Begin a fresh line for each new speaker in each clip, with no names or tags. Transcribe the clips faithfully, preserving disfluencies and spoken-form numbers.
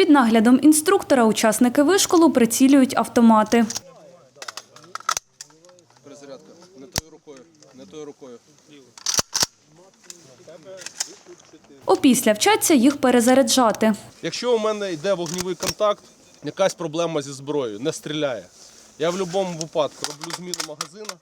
Під наглядом інструктора учасники вишколу прицілюють автомати.
Перезарядка. Не тою рукою. Не тою рукою.
Опісля вчаться їх перезаряджати.
Якщо у мене йде вогневий контакт, якась проблема зі зброєю, не стріляє, я в будь-якому випадку роблю зміну магазину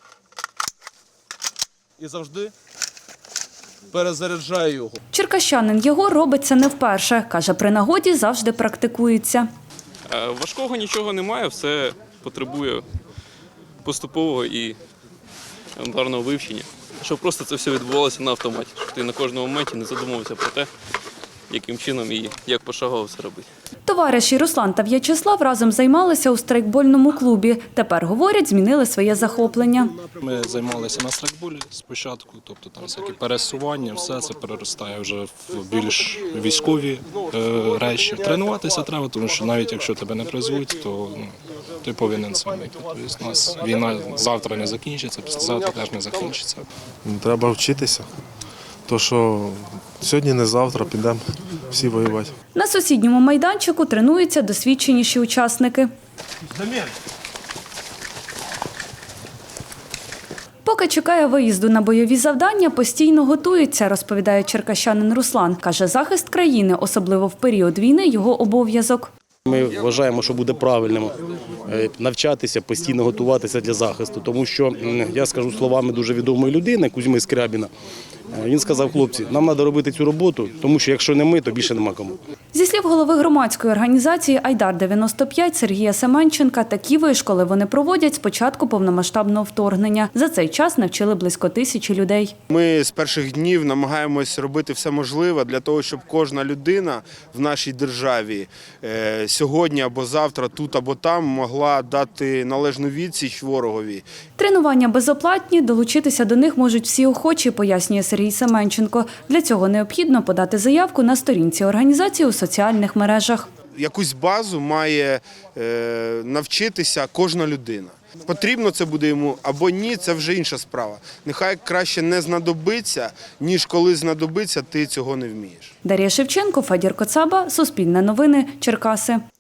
і завжди перезаряджаю його.
Черкащанин Єгор робить це не вперше. Каже, при нагоді завжди практикується.
Важкого нічого немає, все потребує поступового і елементарного вивчення. Щоб просто це все відбувалося на автоматі, щоб ти на кожному моменті не задумувався про те, яким чином і як пошагово все робити.
Товариші Руслан та В'ячеслав разом займалися у страйкбольному клубі. Тепер, говорять, змінили своє захоплення.
Ми займалися на страйкболі спочатку, тобто там всякі пересування, все це переростає вже в більш військові е, речі. Тренуватися треба, тому що навіть якщо тебе не призвуть, то ну, ти повинен це вміти. Тобто у нас війна завтра не закінчиться, післязавтра теж не закінчиться.
Треба вчитися, то що сьогодні не завтра підемо всі воювати.
На сусідньому майданчику тренуються досвідченіші учасники. Поки чекає виїзду на бойові завдання, постійно готується, розповідає черкащанин Руслан. Каже, захист країни, особливо в період війни, його обов'язок.
Ми вважаємо, що буде правильним навчатися, постійно готуватися для захисту. Тому що, я скажу словами дуже відомої людини, Кузьми Скрябіна, він сказав: хлопці, нам треба робити цю роботу, тому що якщо не ми, то більше нема кому.
Зі слів голови громадської організації «Айдар дев'яносто п'ять» Сергія Семенченка, такі вишколи вони проводять з початку повномасштабного вторгнення. За цей час навчили близько тисячі людей.
Ми з перших днів намагаємось робити все можливе для того, щоб кожна людина в нашій державі сьогодні або завтра, тут або там, могла дати належну відсіч ворогові.
Тренування безоплатні, долучитися до них можуть всі охочі, пояснює Сергій Семенченко. Для цього необхідно подати заявку на сторінці організації у соціальних мережах.
Якусь базу має е, навчитися кожна людина. Потрібно це буде йому або ні, це вже інша справа. Нехай краще не знадобиться, ніж коли знадобиться, ти цього не вмієш.
Дар'я Шевченко, Федір Коцаба, Суспільне новини, Черкаси.